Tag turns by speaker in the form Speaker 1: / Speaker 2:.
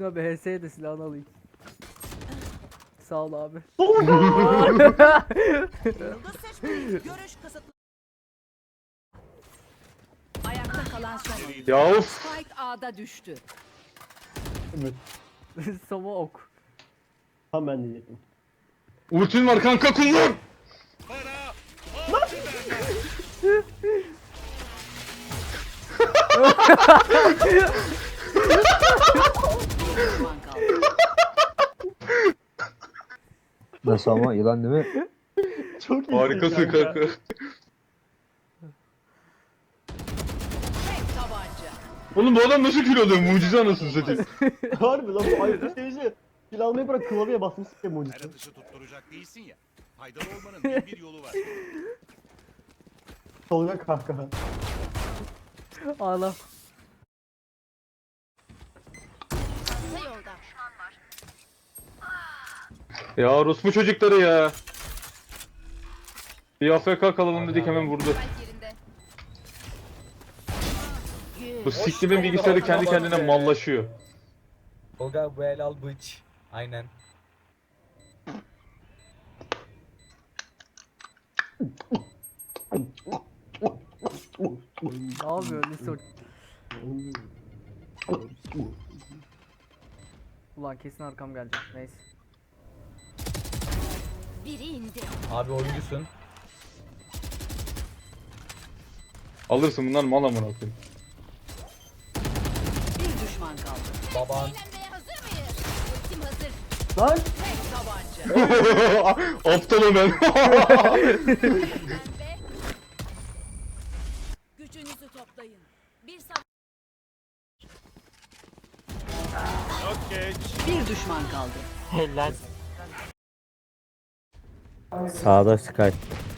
Speaker 1: Şuna bir HS'ye de silahını alayım. Sağ ol abi.
Speaker 2: Yıldız seçmeyin. Görüş kısıtlı. Ayakta kalan son oyuncu.
Speaker 3: Ya of.
Speaker 2: Spike A'da düştü.
Speaker 4: Evet.
Speaker 1: Sova ok.
Speaker 4: Tam ben diyecektim.
Speaker 3: Ultin var kanka, kullan.
Speaker 2: Düşman kaldı.
Speaker 5: Nasıl ama yılan değil mi?
Speaker 4: Çok iyi.
Speaker 3: Harikasın kanka.
Speaker 2: Tek tabanca.
Speaker 3: Oğlum bu adam nasıl kül alıyor? Mucize anasını satayım.
Speaker 4: Harbi lan bu ayıp seyirci. Kill almayı bırak klavyeye basmışsın ya mucize.
Speaker 6: Her atışı tutturacak değilsin ya. Faydalı olmanın bin bir yolu var.
Speaker 4: Tolga kahkaha.
Speaker 1: Ağla.
Speaker 3: Ya orospu çocukları ya. Bir AFK kalalım dedik, hemen vurdu. Bu siktimin bilgisayarı kendi kendine mallaşıyor.
Speaker 7: Tolga bu el al bıç. Aynen.
Speaker 1: Ne yapıyor Lisor? Ulan kesin arkam gelecek. Neyse.
Speaker 2: Biri indi.
Speaker 7: Abi oyuncusun.
Speaker 3: Alırsın, bunlar mal amına koyayım.
Speaker 2: Bir düşman kaldı.
Speaker 7: Baban.
Speaker 2: Hazır mıyız? Ultim hazır.
Speaker 4: Lan!
Speaker 2: Tek tabanca.
Speaker 3: Aptalım ben.
Speaker 2: Gücünüzü toplayın. Bir Bir düşman kaldı.
Speaker 5: Sağda Sky.